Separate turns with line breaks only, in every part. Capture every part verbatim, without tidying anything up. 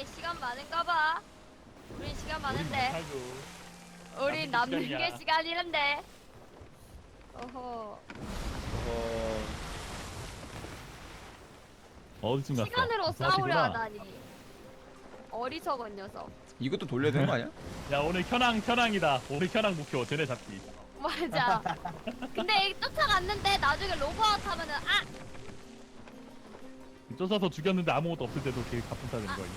우리 시간 많은가봐. 우리 시간 많은데.
못하죠.
우리
남는
남는
시간이야.
게 시간이란데. 어허.
어...
어디쯤 갔어?
시간으로
아,
싸우려
저기구나.
하다니. 어리석은 녀석.
이것도 돌려야 되는 거 아니야?
야 오늘 현황 현황이다. 오늘 현황 목표 쟤네 잡기.
맞아. 근데 이 쫓아갔는데 나중에 로그아웃 하면은 아!
쫓아서 죽였는데 아무것도 없을 때도 되게 가뿐싸 되는 거야.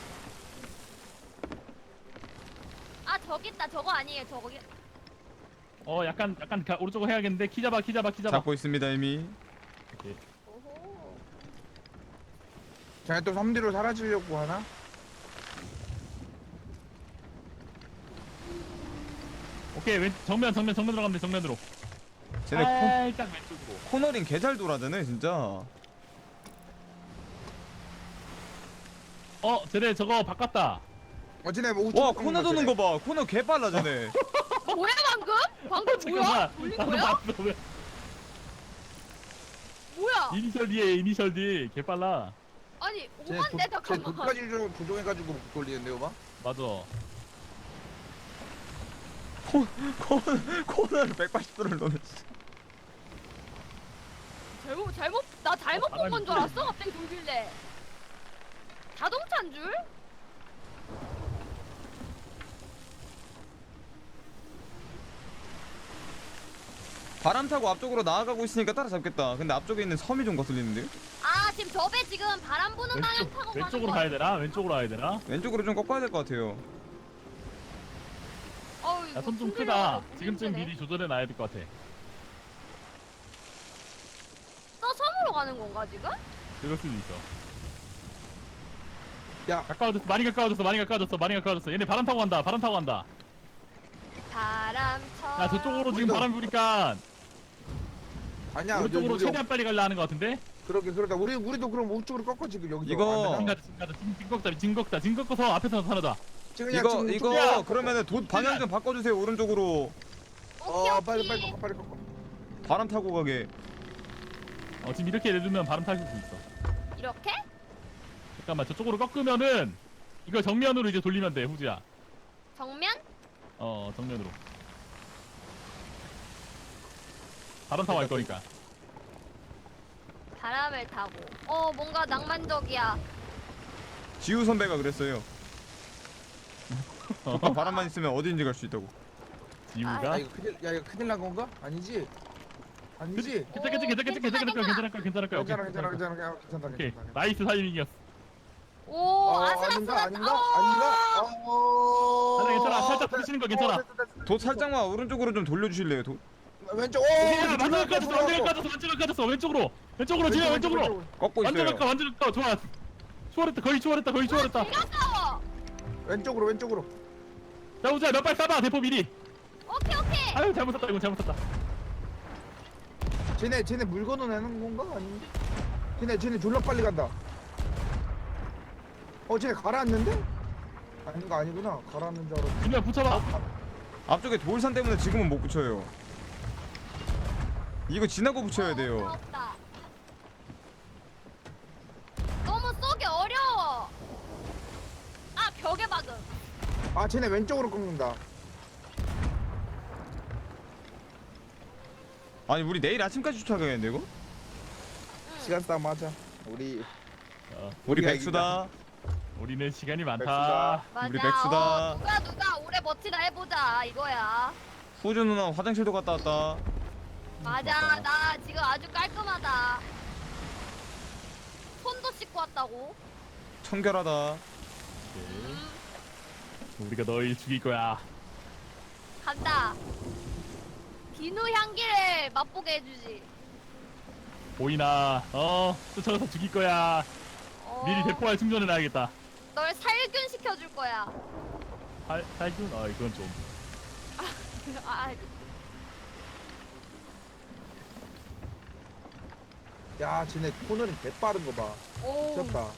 아 저기 있다. 저거 아니에요. 저기.
어 약간 약간 가, 오른쪽으로 해야겠는데 키 잡아 키 잡아 키 잡아.
잡고 있습니다 이미.
오케이.
오호.
쟤네 또 삼 디로 사라지려고 하나?
오케이 왼 정면 정면 정면 들어가면 돼 정면으로.
쟤네 코,
살짝 왼쪽으로.
코너링 개잘 돌아다네 진짜.
어 쟤네 저거 바꿨다.
어 쟤네 뭐 우측
와
꺾는
코너
거
도는
쟤네.
거 봐. 코너 개 빨라 쟤네.
뭐야 방금? 방금 뭐야? 돌린
나도
거야?
봤어. 왜?
뭐야?
이니셜 D에 이니셜 D 개 빨라.
아니
쟤네
오만데
도- 쟤
잠깐만.
도까지 조- 조종해가지고 못 돌리는데요 봐?
맞아.
코, 코, 코너를 백팔십 도를 넣는.
잘못 잘못 나 잘못 본 건 줄 알았어. 갑자기 돌길래. 자동차인 줄?
바람 타고 앞쪽으로 나아가고 있으니까 따라잡겠다. 근데 앞쪽에 있는 섬이 좀 거슬리는데요?
아 지금 저 배 지금 바람 부는 방향
왼쪽
타고
왼쪽으로
가는
가야 되나? 왼쪽으로 가야 되나?
왼쪽으로 좀 꺾어야 될 것 같아요.
어우,
야 손 좀
힘들어.
크다.
너무
지금쯤
힘드네.
미리 조절해 놔야 될 것 같아.
저 섬으로 가는 건가 지금?
그럴 수도 있어.
야
가까워졌어. 많이 가까워졌어. 많이 가까워졌어. 많이 가까워졌어. 얘네 바람 타고 간다. 바람 타고 간다.
바람처럼.
야 저쪽으로 지금
우리도-
바람 부니까
아니야
오른쪽으로
우리-
최대한 빨리 가려 하는 것 같은데?
그러게 그러다 우리 우리도 그럼 우측으로 꺾어 지금 여기서
이거-
안
지금
되나?
가자 지금 가자 지금 지금 꺾다 지금 꺾다 지금 꺾어서 앞에서 나타나자.
지금 그냥
이거
지금
이거
우측이야.
야!
그러면은 도, 방향 좀 바꿔주세요 오른쪽으로.
오케이
어
오케이.
빨리 빨리 꺾어 빨리 꺾어
바람 타고 가게.
어 지금 이렇게 내두면 바람 탈 수 있어.
이렇게?
잠깐만 저쪽으로 꺾으면은 이거 정면으로 이제 돌리면 돼 후지야.
정면?
어 정면으로. 바람 타고 갈 거니까.
바람을 타고. 어 뭔가 낭만적이야.
지우 선배가 그랬어요.
어,
조건 바람만 있으면 어디든지 갈 수 있다고.
지우가.
야 이거 큰일 야 이거 큰일 난 건가? 아니지? 아니지?
괜찮 괜찮 괜찮 괜찮 괜찮을 거야 괜찮을 거야 괜찮을 거야.
괜찮아
오케이,
괜찮아 괜찮아 괜찮아 괜찮다
오케이
괜찮다
나이스 사이밍이었어.
오
어,
아슬아슬한.
아닌가 아닌가 아닌가? 어...
괜찮아 괜찮아 살짝 부딪히는 거 괜찮아.
어, 됐다, 됐다, 됐다.
도 살짝만 오른쪽으로 좀 돌려주실래요? 도...
왼쪽 오
야 완전
들어갔어,
가졌어 완전
들어갔어.
가졌어 완전 가졌어 왼쪽으로 왼쪽으로 지금 왼쪽으로.
꺾고
완전
있어요.
가까 완전 가까 좋아. 추월했다 거의 추월했다 거의 추월했다.
내가 싸워.
왼쪽으로 왼쪽으로
자 우지야 몇 발 쏴봐 대포 미리.
오케이 오케이.
아유 잘못했다 이건 잘못했다.
쟤네 쟤네 물건을 내는 건가? 아닌데? 쟤네 쟤네 졸라 빨리 간다 어 쟤네 가라앉는데? 아닌가 아니구나 가라앉는 줄 알았어
그냥 붙여봐.
앞쪽에 돌산 때문에 지금은 못 붙여요. 이거 지나고 붙여야 돼요.
없다. 너무 쏘기 어려워. 아 벽에 박음.
아 쟤네 왼쪽으로 꺾는다
아니 우리 내일 아침까지 쫓아가야겠는데 이거?
응.
시간 싸움 하자 우리
어,
우리
우리가
백수다.
우리는 시간이
백수다.
많다.
맞아.
우리 백수다.
어, 누가 누가 오래 버티나 해보자 이거야.
후주 누나 화장실도 갔다 왔다.
맞아. 나 지금 아주 깔끔하다. 손도 씻고 왔다고.
청결하다.
오케이.
음,
우리가 너희 죽일 거야.
간다. 비누 향기를 맛보게 해주지.
보이나? 어 쫓아가서 죽일 거야.
어,
미리 대포알 충전해 놔야겠다.
널 살균 시켜줄 거야.
살 살균? 아 이건 좀.
아,
야 쟤네 코너링 개 빠른 거봐
오.
미쳤다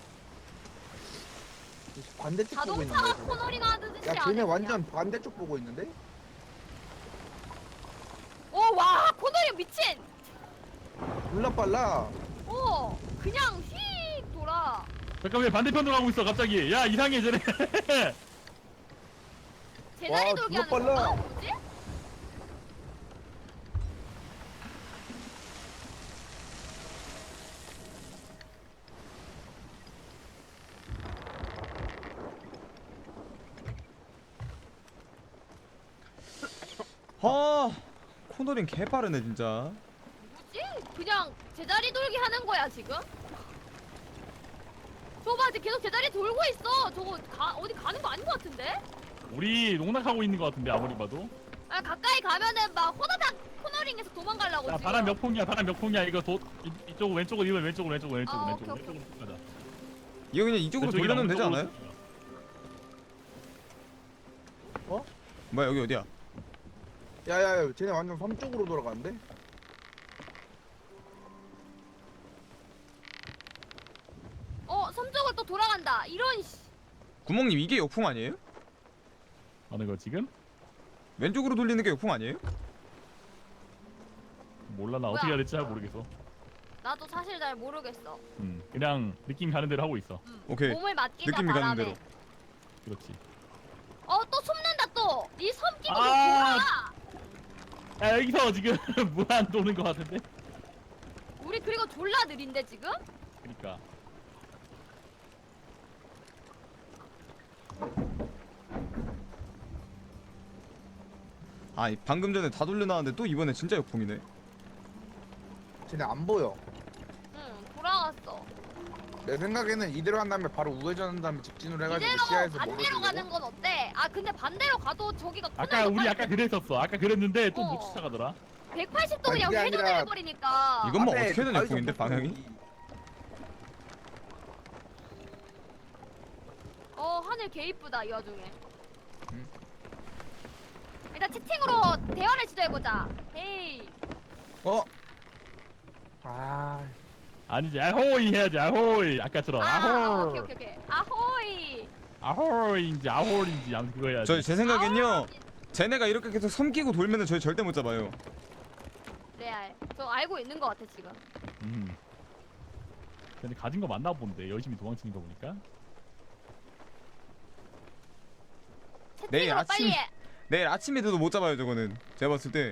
반대쪽 보고 있는
자동차가
거야
코너링 하듯이
야
안
쟤네
해,
완전 반대쪽 보고 있는데?
그냥. 오, 와, 코너링 미친.
졸라 빨라
오, 그냥 휙 돌아.
잠깐 왜 반대편으로 가고 있어 갑자기? 야 이상해 쟤네.
제자리
와,
돌기
존나
하는 건가?
빨라.
뭐지?
아 코너링 개 빠르네 진짜.
뭐지? 그냥 제자리 돌기 하는 거야 지금? 저봐 지금 계속 제자리 돌고 있어. 저거 가, 어디 가는 거 아닌 거 같은데?
우리 농락하고 있는 것 같은데 아무리 봐도.
아 가까이 가면은 막 호다닥 코너링에서 도망가려고
야
지금.
바람 몇 폭이야 바람 몇 폭이야 이거 도 이, 이쪽 왼쪽으로 이번 왼쪽으로 왼쪽으로 왼쪽으로
아,
왼쪽으로
오케이,
왼쪽으로 가자.
이거 그냥 이쪽으로
왼쪽이랑
돌려놓으면 되지
오른쪽으로
않아요?
가자.
뭐야 여기 어디야?
야야야, 쟤네 완전 섬 쪽으로 돌아가는데?
어 섬쪽을 또 돌아간다. 이런 씨.
구멍님 이게 역풍 아니에요?
어느 거 지금?
왼쪽으로 돌리는 게 역풍 아니에요?
몰라 나
뭐야?
어떻게 해야 될지 잘 모르겠어.
나도 사실 잘 모르겠어.
음 그냥 느낌 가는 대로 하고 있어.
음.
오케이.
몸을 맡기자
느낌이 가는
바람에.
대로.
그렇지.
어또 숨는다 또. 이 섬 끼고 또
아.
돌아.
야 여기서 지금 무한 도는 것 같은데?
우리 그리고 졸라 느린데 지금?
그니까.
아 방금 전에 다 돌려놨는데 또 이번에 진짜 역풍이네.
쟤네 안 보여.
응 돌아갔어.
내 생각에는 이대로 한 다음에 바로 우회전한 다음에 직진으로 해가지고
이대로
시야에서
반대로 가는 건 어때? 아 근데 반대로 가도 저기가
아까
코너에서
우리
빨리
아까 그랬었어. 아까 그랬는데 또
어.
못 쫓아가더라.
백팔십 도
아니,
그냥
그게
회전을
아니라-
해버리니까.
이건 뭐
앞에
어떻게든
가위가
역풍인데
없었어.
방향이?
어 하늘 개 이쁘다 이 와중에.
응.
일단 채팅으로 대화를 시도해보자. 헤이.
어? 아,
아니지 아호이 해야지 아호이 아까처럼
아,
아호
오케이 오케이 오케이. 아호이.
아호인지 아홀인지 아무튼 그거 해야지.
저 제 생각엔요.
아호이.
쟤네가 이렇게 계속 섬끼고 돌면은 저희 절대 못 잡아요.
레알. 저 알고 있는 것 같아 지금.
음. 근데 가진 거 맞나 본데 열심히 도망치는 거 보니까.
내일
채팅으로
아침-
빨리 해.
내일 아침에 돼도 못 잡아요 저거는. 제가 봤을 때.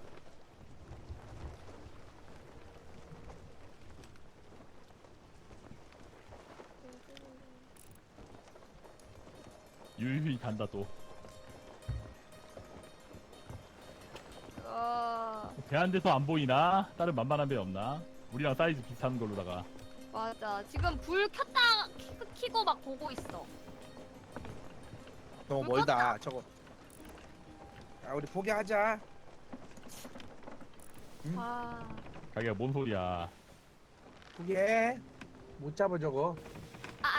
유유히 간다 또.
어
대한 데서 안 보이나? 다른 만만한 데 없나? 우리랑 사이즈 비슷한 걸로다가.
맞아. 지금 불 켰다 키, 키고 막 보고 있어.
너무
불
멀다 저거. 야 우리 포기하자. 음.
아.
자기가 뭔 소리야?
포기해. 못 잡아 저거.
아.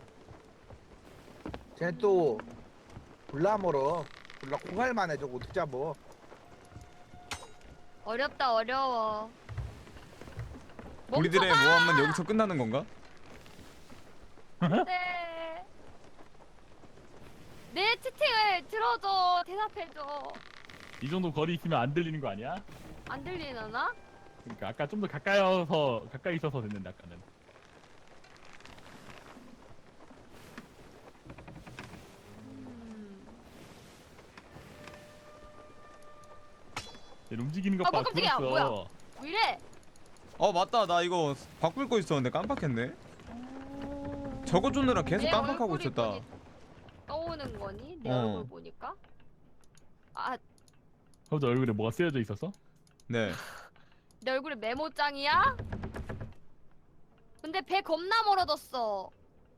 쟤네 또 졸라 멀어. 졸라 콩알만해 저거 어떻게 잡어.
어렵다 어려워.
우리들의
멈춰봐!
모험은 여기서 끝나는 건가?
네. 내 채팅을 들어줘. 대답해줘.
이 정도 거리 있으면 안 들리는 거 아니야?
안 들리나?
그러니까 아까 좀 더 가까이서 가까이 있어서 됐는데 아까는.
음.
얘 움직이는 것
아,
봐.
뭐 깜짝이야,
그랬어.
왜 이래?
어 맞다 나 이거 바꿀 거 있었는데 깜빡했네. 저거 쫓느라 계속
내
깜빡하고
얼굴이
있었다.
보니- 떠오는 거니? 내
어.
얼굴 보니까? 아,
저 얼굴에 뭐가 쓰여져 있었어?
네.
내 얼굴에 메모장이야? 근데 배 겁나 멀어졌어.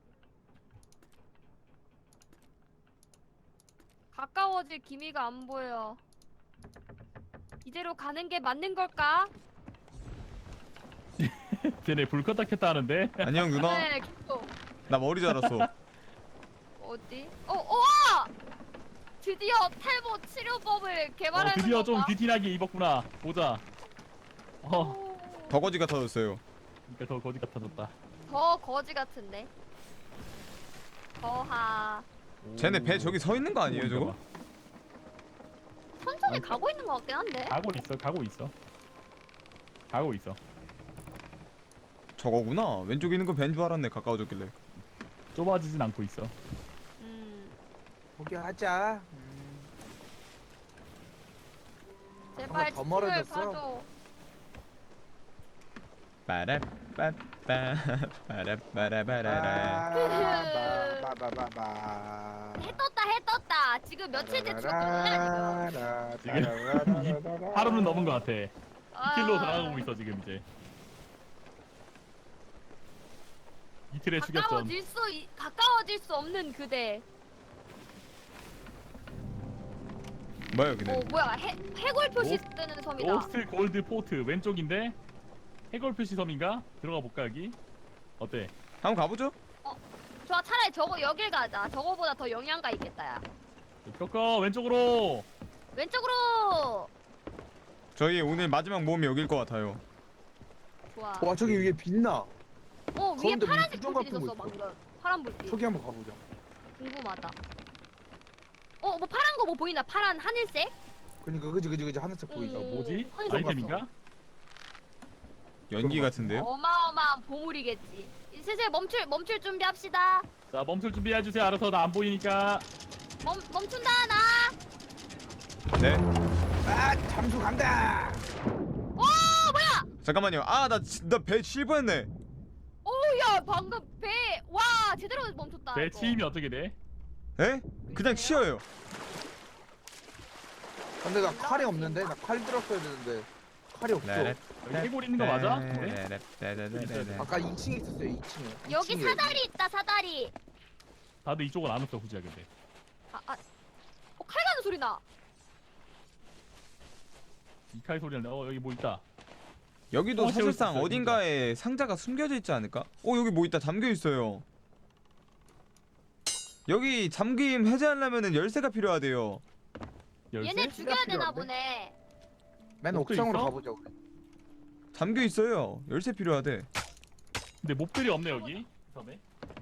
가까워질 기미가 안 보여. 이대로 가는 게 맞는 걸까?
쟤네 불 껐다 켰다 하는데.
안녕 누나.
네, 계속.
나 머리 자랐어.
어디? 어, 우와! 드디어 탈모 치료법을
어,
개발하는
드디어 좀
건가?
귀티나게 입었구나. 보자. 어,
오,
더거지 같아졌어요.
그러니까 더 거지 같아졌다.
더 거지 같은데. 거하.
쟤네 배 저기 서 있는 거 아니에요 저거?
천천히
어.
가고 있는 것 같긴 한데.
가고 있어, 가고 있어. 가고 있어.
저거구나. 왼쪽에 있는 거 벤 줄 알았네 가까워졌길래.
좁아지진 않고 있어.
음.
포기하자. 음.
제발
더
지층을
멀어졌어.
봐줘.
빠라빠빠 빠라빠라빠라라.
아, 바바바바바.
해 떴다 해 떴다. 지금 며칠째 죽었거든 지금.
하루는 넘은 것 같아.
아.
이틀로 다가가고 있어 지금 이제. 이틀의 추격전.
가까워질 수 이- 가까워질 수 없는 그대.
뭐야 여기는?
어 뭐야 해 해골 표시
오-
뜨는 섬이다.
오스트 골드 포트 왼쪽인데 해골 표시 섬인가? 들어가 볼까 여기? 어때?
한번 가보죠.
좋아 차라리 저거 여길 가자. 저거보다 더 영양가 있겠다 야.
꺾어 왼쪽으로.
왼쪽으로.
저희 오늘 마지막 모험이 여길 것 같아요.
좋아.
와 저기 위에 빛나.
어 위에
가운데
파란색
무슨
불빛
같은 거
있었어
있어?
방금. 파란 불빛.
저기 한번 가보자.
궁금하다. 어 뭐 파란 거 뭐 보인다. 파란 하늘색?
그니까 그지 그지 그지 하늘색 보이자.
음.
뭐지?
하늘색
아이템인가?
연기 같은데요?
어마어마한 보물이겠지. 이제 슬슬 멈출 멈출 준비합시다.
자 멈출 준비해 주세요. 알아서 나 안 보이니까.
멈 멈춘다 나.
네.
아 잠수 간다.
오 뭐야?
잠깐만요. 아나나배 칠 뻔했네.
오야 방금 배 와 제대로 멈췄다.
배
이거.
치임이 어떻게 돼?
에? 그냥 치어요.
근데 나 칼이 없는데 나 칼 들었어야 되는데 칼이 없어.
라렛.
여기 해골 있는 거 맞아?
네.
네?
라렛라렛라렛.
아까 이 층에 있었어요 이 층에.
여기 사다리 있다 사다리.
다들 이쪽은 안 왔어 후지야 근데.
아 아. 어, 칼 가는 소리 나.
이칼 소리는 어 여기 뭐 있다.
여기도
어,
사실상
재밌었어요,
어딘가에 상자가 숨겨져 있지 않을까? 어 여기 뭐 있다. 잠겨 있어요. 여기 잠김 해제하려면은 열쇠가 필요하대요.
열쇠?
얘네 죽여야 되나
필요한데?
보네.
맨
목도
옥상으로
있어?
가보자 우리.
잠겨 있어요. 열쇠 필요하대.
근데 몹들이 없네 여기. 섬에.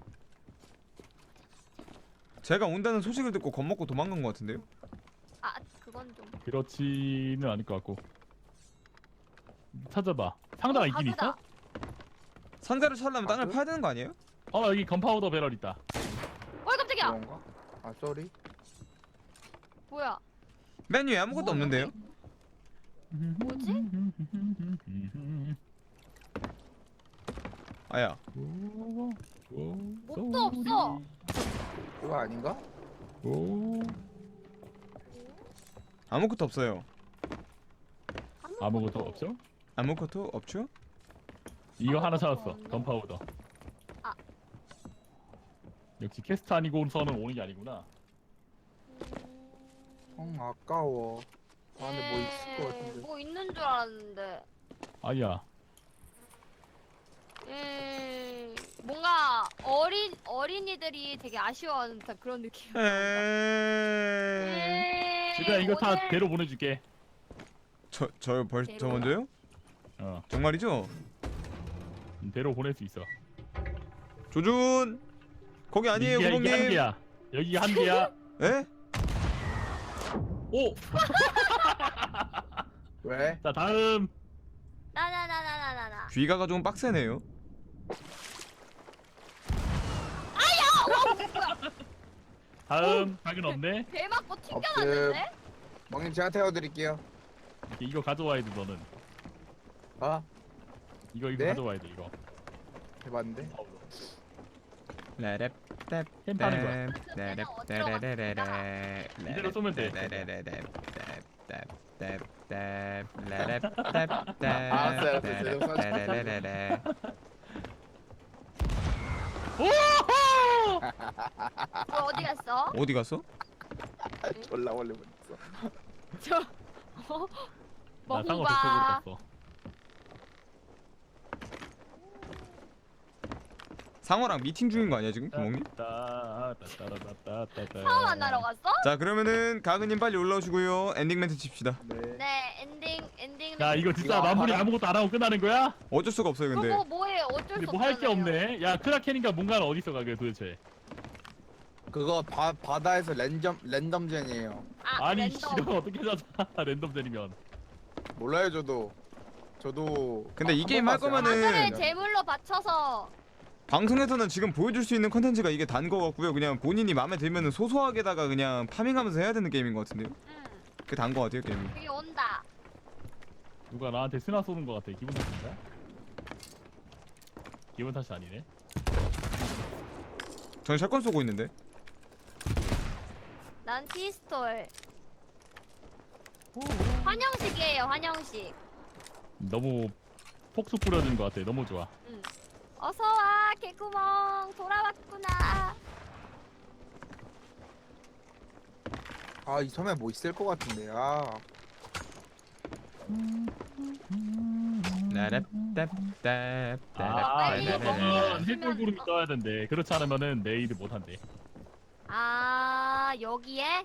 제가 온다는 소식을 듣고 겁먹고 도망간 것 같은데요?
아 그건 좀.
그렇지는 않을 것 같고. 찾아봐. 상자가
어,
있긴 있어?
가구다.
상자를 찾으려면 땅을
가구?
파야 되는 거 아니에요?
어 여기 건파우더 배럴 있다.
어이 깜짝이야.
그런가? 아 쏘리.
뭐야?
맨 위에 아무것도 없는데요?
뭐지?
아야.
몹도 없어.
그거 아닌가?
아무것도 없어요.
아무것도 없죠?
아무것도 없죠?
이거 하나
아무것도
찾았어.
없네.
건파우더.
아.
역시 캐스트 아니고서는 오는 게 아니구나.
응 아까워. 아 근데 뭐 있을 것
에이,
같은데.
뭐 있는 줄 알았는데.
아니야.
음, 뭔가 어린 어린이들이 되게 아쉬워하는 듯한 그런 느낌.
에이.
에이,
지금 이거 다
오늘-
배로 보내줄게.
저 저요 벌 저
대로요?
먼저요?
어,
정말이죠?
음, 배로 보낼 수 있어.
조준 거기 아니에요
이게, 이게 한
구멍님.
개야. 여기가 한 개야.
에?
오,
왜?
자 다음.
나나나나나나나.
귀가가 좀 빡세네요.
다음 작은 없네.
배 맞고 튕겨났는데?
멍님 제가 태워드릴게요.
이렇게 이거 가져와야 돼 너는.
아
이거 이거
네?
가져와야 돼 이거.
해봤는데.
라랩 랩
햄 파는 거야.
랩
어디로 갔습니까?
이대로 쏘면 돼.
알았어요, 알았어요.
오호!
너 어디 갔어?
어디 갔어?
졸라 원래 못했어.
저 어?
나 상어
먹어봐.
백석으로 갔어.
상어랑 미팅 중인 거 아니야 지금 구멍님?
따따따따따따따.
처음 만나러 갔어?
자 그러면은 가그님 빨리 올라오시고요. 엔딩 멘트 칩시다.
네.
네 엔딩 엔딩.
야 이거 진짜
이거
마무리
알아?
아무것도 안 하고 끝나는 거야?
어쩔 수가 없어요 근데.
그거 뭐해 어쩔
근데
수
뭐 할 게
없잖아요.
없네. 야 크라켄인가 뭔가는 어디 있어 가게 도대체?
그거 바 바다에서 랜덤 랜덤젠이에요.
아
아니
랜덤.
씨발 어떻게 찾아? 랜덤전이면.
몰라요 저도. 저도.
근데 이
한
게임
번
할
봤어요.
거면은-
마술을 제물로 바쳐서
방송에서는 지금 보여줄 수 있는 컨텐츠가 이게 단 거 같고요. 그냥 본인이 마음에 들면은 소소하게다가 그냥 파밍하면서 해야 되는 게임인 것 같은데요.
응.
그게 단 거 같아요 게임이.
여기 온다.
누가 나한테 스나 쏘는 거 같아. 기분 탓인가? 기분 탓이 아니네.
저는 샷건 쏘고 있는데.
난 피스톨. 환영식이에요, 환영식.
너무 폭수 뿌려준 거 같아. 너무 좋아.
응. 어서 와, 개구멍 돌아왔구나.
아, 이 섬에 뭐 있을 것 같은데. 아,
아,
빨리
이거
먹으면
보면 힐골구름이 떠야 된대. 그렇지 않으면은 내일을 못 한대.
아, 여기에?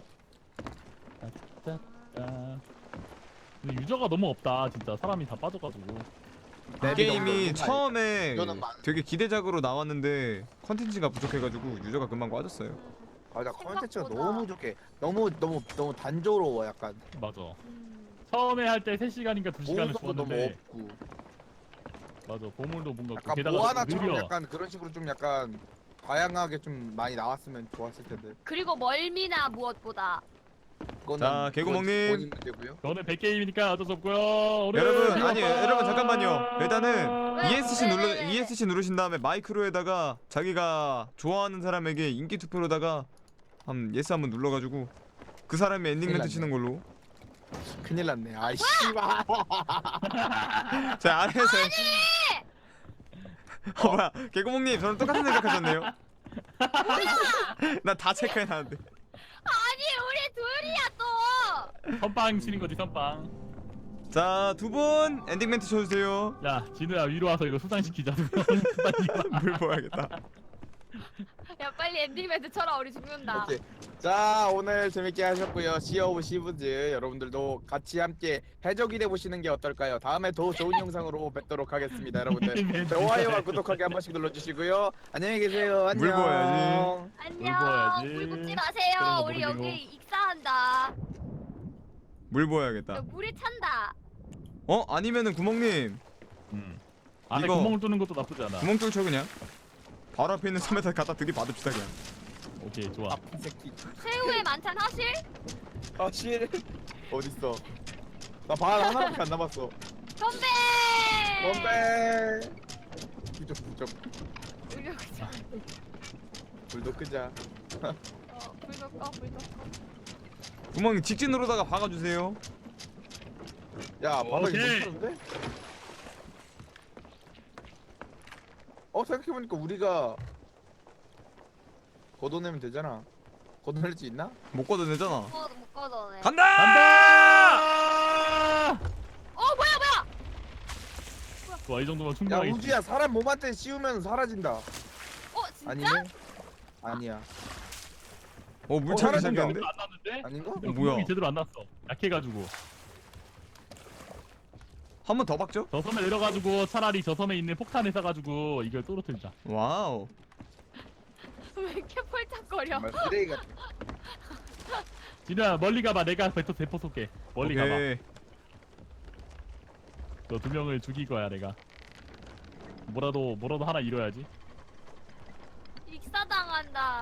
따따따. 근데 유저가 너무 없다. 진짜 사람이 다 빠져가지고.
이 게임이
너무
처음에
이거는 많-
되게 기대작으로 나왔는데 컨텐츠가 부족해가지고 유저가 금방 빠졌어요.
맞아. 컨텐츠가
생각보다.
너무 좋게, 너무 너무 너무 단조로워 약간.
맞아.
음.
처음에 할 때 세 시간인가 두 시간을
보호석도 너무
쏘았는데
없고.
맞아. 보물도 뭔가 없고
약간
게다가
모아나처럼
느려.
약간 그런 식으로 좀 약간 다양하게 좀 많이 나왔으면 좋았을 텐데.
그리고 멀미나 무엇보다.
그거는
자, 개구멍님.
그건 본인 문제고요.
저는 백 게임이니까 어쩔 수 없고요. 오늘
여러분
비가
아니
왔다.
여러분 잠깐만요. 일단은
왜?
이에스씨
왜,
눌러
왜, 왜, 왜?
이에스씨 누르신 다음에 마이크로에다가 자기가 좋아하는 사람에게 인기 투표로다가 한 예스 한번 눌러가지고 그 사람이 엔딩 멘트
큰일
치는 걸로.
큰일 났네. 아이 씨발.
자 아래에서. 어 뭐야 개구멍님 저랑 똑같은 생각하셨네요. 나 다 체크해놨는데.
아니, 우리 둘이야 또.
선빵 치는 거지 선빵.
자 두 분 엔딩 멘트 쳐주세요.
야 진우야 위로 와서 이거 수상시키자.
물 부어야겠다.
야, 빨리 엔딩 멘트 쳐라. 우리 죽는다.
오케이. 자, 오늘 재밌게 하셨고요. 시 오브 시브즈 여러분들도 같이 함께 해적이 돼 보시는 게 어떨까요? 다음에 더 좋은 영상으로 뵙도록 하겠습니다, 여러분들. 좋아요와 구독하기 한 번씩 눌러주시고요. 안녕히 계세요. 안녕.
물 부어야지.
안녕.
부어야지.
물 붓지
그런
마세요.
거
우리
모르고.
여기 익사한다.
물 부어야겠다.
여기 물이 찬다.
어 아니면은 구멍님
음. 안에
이거-
구멍을 뚫는 것도 나쁘지 않아.
구멍 뚫쳐 그냥. 바로 앞에 있는 섬에다 갖다 들이받읍시다 그냥.
오케이 좋아.
아픈 새끼.
최후의 만찬 하실?
아 실. 어딨어? 나 발 하나밖에 안 남았어.
건배!
건배. 부적 부적.
우리 여기 자-
불도 끄자.
어, 불도 꺼, 불도 꺼.
구멍님 직진으로다가 박아주세요.
야, 바닥이
오케이.
괜찮은데? 어, 생각해보니까 우리가 걷어내면 되잖아. 걷어낼 수 있나?
못 걷어내잖아.
어, 못 꺼져네.
간다!
간다!
어, 뭐야, 뭐야!
좋아 이 정도면
야,
충분하겠지.
우주야, 사람 몸한테 씌우면 사라진다.
어, 진짜?
아니네? 아니야.
어 물
어,
차기
사라진다.
시작했는데?
안 났는데?
아닌가?
어, 뭐야?
구멍이 제대로 안 났어. 약해가지고.
한 번 더 박죠?
저 섬에 내려가지고 차라리 저 섬에 있는 폭탄을 쏴가지고 이걸 떨어뜨리자.
와우.
왜 이렇게 폴짝거려?
정말 쓰레기 같아.
진우야 멀리 가봐. 내가 배터 대포 쏠게. 멀리 가봐.
오케이.
너 두 명을 죽일 거야 내가. 뭐라도 뭐라도 하나 이뤄야지.
익사당한다.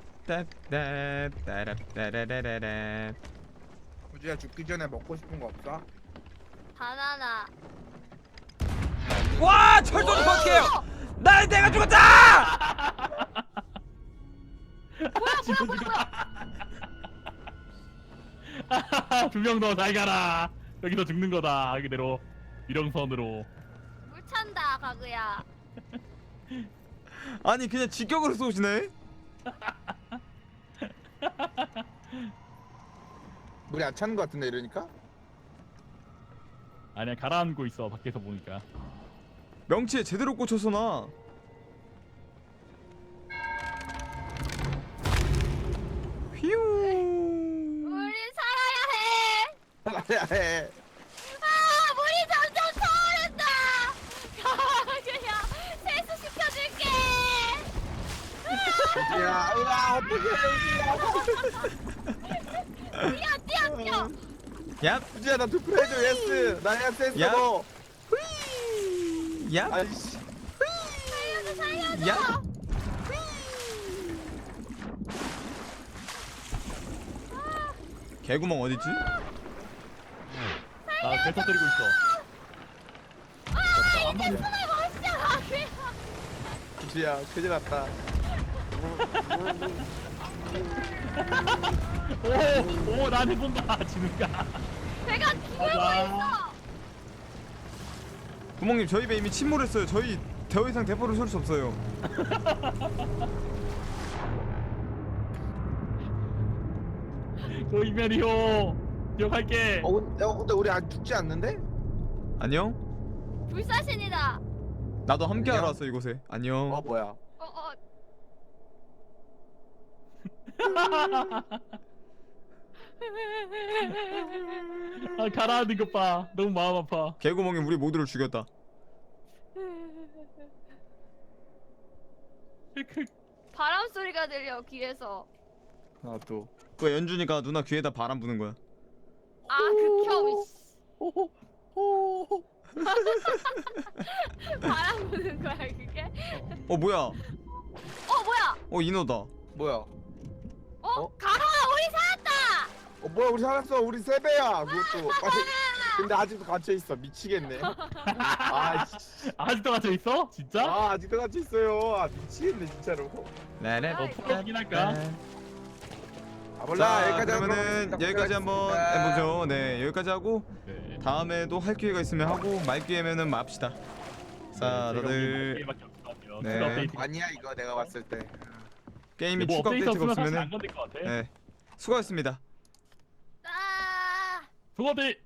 라랍따따따랍따라라라라.
우주야, 죽기 전에 먹고 싶은 거 없어?
바나나.
와 철도 좀 할게요. 날 내가 죽었다.
진우 죽였다. 두 명 더 잘 가라. 여기서 죽는 거다. 그대로 유령선으로.
물 찬다, 가그야.
아니 그냥 직격으로 쏘시네.
물이 안 차는 거 같은데 이러니까?
아니야 가라앉고 있어 밖에서 보니까.
명치에 제대로 꽂혀서 나. 휘우.
우리 살아야 해.
살아야 해.
아, 물이 점점 차오른다. 가그야, 세수시켜줄게.
우주야, 으아, 어떡해,
뛰어, 뛰어, 뛰어.
야.
우주야. 우주야, 나 투표 해줘, 예스. 나 예스 했어,
야.
너.
야.
아이씨.
살려줘, 살려줘. 살려줘.
야. 개구멍 어딨지?
나배 터뜨리고 있어.
아 이게 숨을 못 쉬어.
기수야 큰일 났다.
오, 오, 나한테 본다. 지는가.
배가 죽고
맞아.
있어.
구멍님 저희 배 이미 침몰했어요. 저희 더 이상 대포를 쏠 수 없어요.
도이면이요. 기억할게.
어, 근- 어 근데 우리 아직 죽지 않는데?
안녕?
불사신이다.
나도 함께
안녕?
알았어 이곳에. 안녕.
어 뭐야?
어 어.
아, 가라앉는 것 봐. 너무 마음 아파.
개구멍이 우리 모두를 죽였다.
바람 소리가 들려 귀에서.
나도.
그 연준이가 누나 귀에다 바람 부는 거야.
아 극혐. 바람 부는 거야 그게?
어 뭐야?
어 뭐야?
어 인어다.
뭐야?
어?
어?
가라 우리 살았다.
어 뭐야 우리 살았어 우리 세 배야 그것도. 아니, 근데 아직도 갇혀 있어 미치겠네. 아, 씨.
아직도 갇혀 있어? 진짜?
아 아직도 갇혀 있어요. 아 미치겠네 진짜로.
네네.
어, 풀어주긴 할까?
아 몰라
자
여기까지
그러면은
하도록
여기까지 한번
하겠습니다.
해보죠. 네 여기까지 하고
네.
다음에도 할 기회가 있으면 하고 말 기회면은 맙시다. 자
네,
다들
제가 오늘 밖에 없을 것 같아요.
네.
추가 업데이트.
아니야 이거 내가 봤을 때.
게임이
뭐
추가
업데이트
업데이트가
없으면 사실
없으면은
안 건들 것 같아.
네 수고하셨습니다.
아.
수고들.